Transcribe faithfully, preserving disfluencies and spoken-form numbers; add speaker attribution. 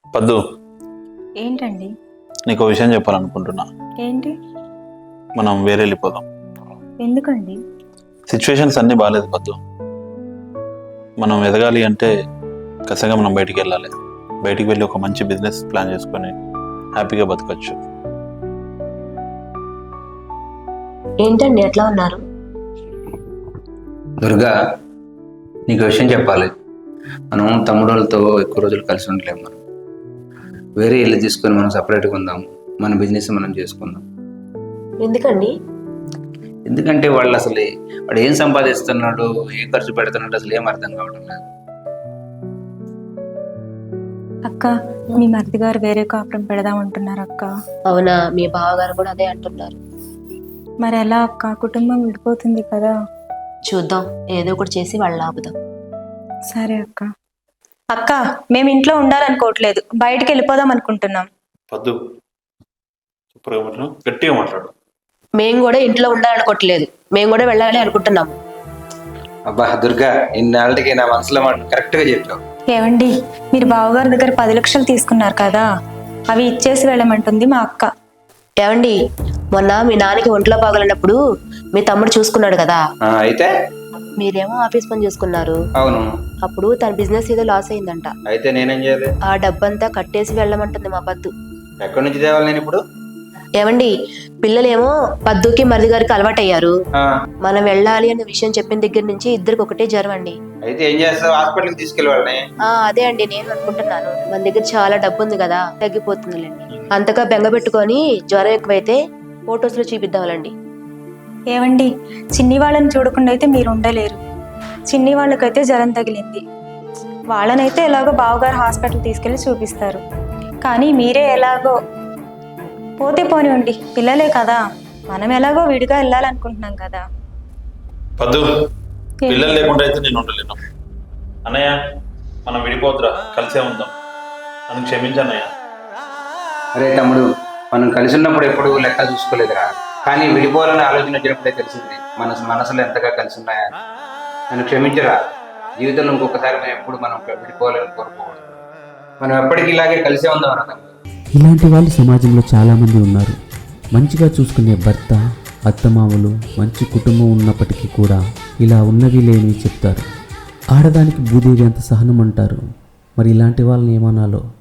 Speaker 1: పద్దు,
Speaker 2: ఏంటండి?
Speaker 1: నీకు విషయం చెప్పాలనుకుంటున్నా.
Speaker 2: ఏంటి?
Speaker 1: మనం వేరే వెళ్ళిపోదాం.
Speaker 2: ఎందుకండి?
Speaker 1: సిచ్యువేషన్స్ అన్నీ బాగాలేదు పద్దు. మనం ఎదగాలి అంటే ఖచ్చితంగా మనం బయటికి వెళ్ళాలి. బయటికి వెళ్ళి ఒక మంచి బిజినెస్ ప్లాన్ చేసుకొని హ్యాపీగా బతకచ్చు.
Speaker 3: ఏంటండి ఎట్లా ఉన్నారు?
Speaker 4: దుర్గా, నీకు విషయం చెప్పాలి. మనం తమ్ముళ్ళతో ఎక్కువ రోజులు కలిసి ఉండలేము. మనం వేరే ఇల్లు తీసుకొని మనం సపరేట్గా ఉందాం, మన బిజినెస్ మనం చేసుకుందాం.
Speaker 3: ఎందుకండి?
Speaker 4: ఎందుకంటే వాళ్ళు అసలు వాడు ఏం సంపాదిస్తున్నాడు, ఏం ఖర్చు పెడుతున్నాడు అసలు ఏం అర్థం కావడం లేదు.
Speaker 2: అక్క, మీ మరిది గారు వేరే కాపురం పెడదామంటున్నారు అక్క.
Speaker 3: అవునా? మీ బావగారు కూడా అదే అంటున్నారు.
Speaker 2: మరి ఎలా అక్క? కుటుంబం విడిపోతుంది కదా.
Speaker 3: చూద్దాం, ఏదో ఒకటి చేసి వాళ్ళు ఆపుదాం.
Speaker 2: సరే అక్క. అక్క, మేము ఇంట్లో ఉండాలనుకోవట్లేదు, బయటికి వెళ్ళిపోదాం అనుకుంటున్నాం.
Speaker 1: పద్దు, సూపర్గా మాట్లాడు, గట్టిగా మాట్లాడు.
Speaker 3: మేము కూడా ఇంట్లో ఉండాలనుకోవట్లేదు, మేము కూడా వెళ్ళాలి అనుకుంటున్నాము.
Speaker 4: అబ్బా దుర్గా, ఇన్నాళ్ళకి నా మనసులో మాట కరెక్ట్గా చెప్పావు.
Speaker 2: ఏవండి, మీరు బావగారి దగ్గర పది లక్షలు తీసుకున్నారు కదా, అవి ఇచ్చేసి వెళ్ళమంటుంది మా అక్క.
Speaker 3: ఏమండి, మొన్న మీ నాన్నకి ఒంట్లో బాగలేనప్పుడు మీ తమ్ముడు చూసుకున్నాడు కదా,
Speaker 4: ఆ, అయితే
Speaker 3: మీరేమో ఆఫీస్ పని చూసుకున్నారు.
Speaker 4: అవును,
Speaker 3: అప్పుడు తన బిజినెస్ ఏదో లాస్ అయిందంట.
Speaker 4: అయితే నేనేం చేయాలి?
Speaker 3: ఆ డబ్బంతా కట్టేసి వెళ్ళమంటుంది మా పద్దు.
Speaker 4: ఎక్కడి నుంచి తేవాలి నేను ఇప్పుడు?
Speaker 3: ఏమండి, పిల్లలేమో పద్దుకి మరిది గారికి అలవాటయ్యారు.
Speaker 4: ఆ,
Speaker 3: మనం వెళ్ళాలి అనే విషయం చెప్పిన దగ్గర నుంచి ఇద్దరికి ఒకటే జ్వరం అండి.
Speaker 4: అయితే ఏం చేస్తావు? హాస్పిటల్కి తీసుకెళ్ళి వాళ్ళని.
Speaker 3: ఆ అదే అండి నేను అనుకుంటున్నాను. మన దగ్గర చాలా డబ్బు ఉంది కదా, తగ్గిపోతుందిలేండి. అంతగా బెంగ పెట్టుకొని జ్వరం ఎక్కువైతే ఫొటోస్ లో చూపిద్దామండి.
Speaker 2: ఏవండి, చిన్ని వాళ్ళని చూడకుండా అయితే మీరు ఉండలేరు. చిన్ని వాళ్ళకైతే జ్వరం తగిలింది, వాళ్ళనైతే ఎలాగో బావగారు హాస్పిటల్ తీసుకెళ్ళి చూపిస్తారు. కానీ మీరే ఎలాగో పోతే పోనివ్వండి, పిల్లలే కదా, మనం ఎలాగో విడిగా వెళ్ళాలనుకుంటున్నాం కదా.
Speaker 1: పద్దు, పిల్లలు లేకుండా అయితే నేను ఉండలేను. అన్నయ్య, మనం విడిపోతురా, కలిసే ఉందాం. నన్ను క్షమించన్నయ్య.
Speaker 4: అరే తమ్ముడు, మనం కలిసి ఉన్నప్పుడు ఎప్పుడు లెక్క చూసుకోలేదురా, కానీ విడిపోవాలని ఆలోచన వచ్చినప్పుడే తెలిసింది మన మనసులో ఎంతగా కలిసి ఉన్నాయా. నన్ను క్షమించరా. జీవితంలో ఇంకొకసారి మనం ఎప్పుడు మనం విడిపోవాలని కోరుకోకూడదు. మనం ఎప్పటికీ ఇలాగే కలిసే ఉందాం రా తమ్ముడు.
Speaker 5: ఇలాంటి వాళ్ళు సమాజంలో చాలామంది ఉన్నారు. మంచిగా చూసుకునే భర్త, అత్తమామలు, మంచి కుటుంబం ఉన్నప్పటికీ కూడా ఇలా ఉన్నవి లేని చెప్తారు. ఆడదానికి భూదేవి అంత సహనం అంటారు. మరి ఇలాంటి వాళ్ళని ఏమనాలో